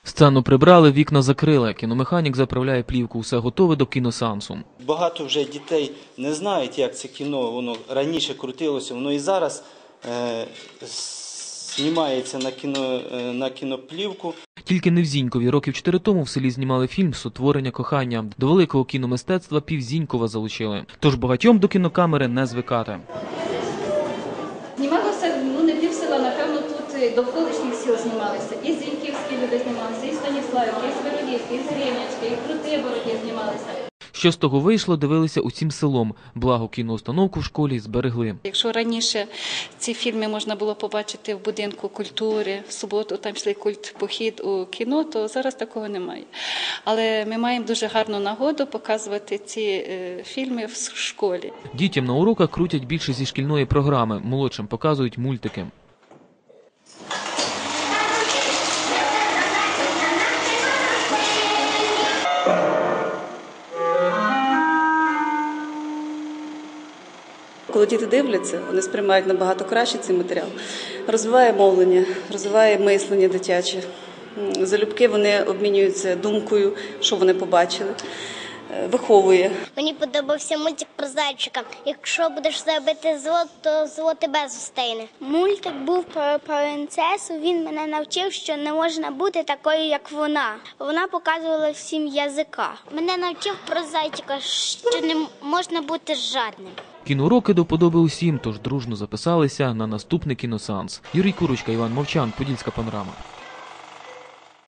Сцену прибрали, вікна закрили. Кіномеханік заправляє плівку. Усе готове до кіносеансу. Багато вже дітей не знають, як це кіно, воно раніше крутилося, воно і зараз знімається на кіноплівку. Тільки не в Зінькові. Років 4 тому в селі знімали фільм «Сотворення кохання». До великого кіномистецтва пів-Зінькова залучили. Тож багатьом до кінокамери не звикати. Знімалося, не пів села, напевно, тут довколишніх сіл знімалися. І Зіньківські люди знімалися, і Станіславівки, і Свирогівські, і Зрівнячки, і Крутибороді знімалися. Що з того вийшло, дивилися усім селом. Благо, кіноустановку в школі зберегли. Якщо раніше ці фільми можна було побачити в будинку культури, в суботу там йшли похід у кіно, то зараз такого немає. Але ми маємо дуже гарну нагоду показувати ці фільми в школі. Дітям на уроках крутять більше зі шкільної програми, молодшим показують мультики. Коли діти дивляться, вони сприймають набагато краще цей матеріал. Розвиває мовлення, розвиває мислення дитяче. Залюбки вони обмінюються думкою, що вони побачили. Виховує. Мені подобався мультик про зайчика. Якщо будеш робити зло, то зло тебе зустріне. Мультик був про принцесу, він мене навчив, що не можна бути такою, як вона. Вона показувала всім язика. Мене навчив про зайчика, що не можна бути жадним. Кіноуроки до вподоби усім, тож дружно записалися на наступний кіносеанс. Юрій Курочка, Іван Мовчан, Подільська панорама.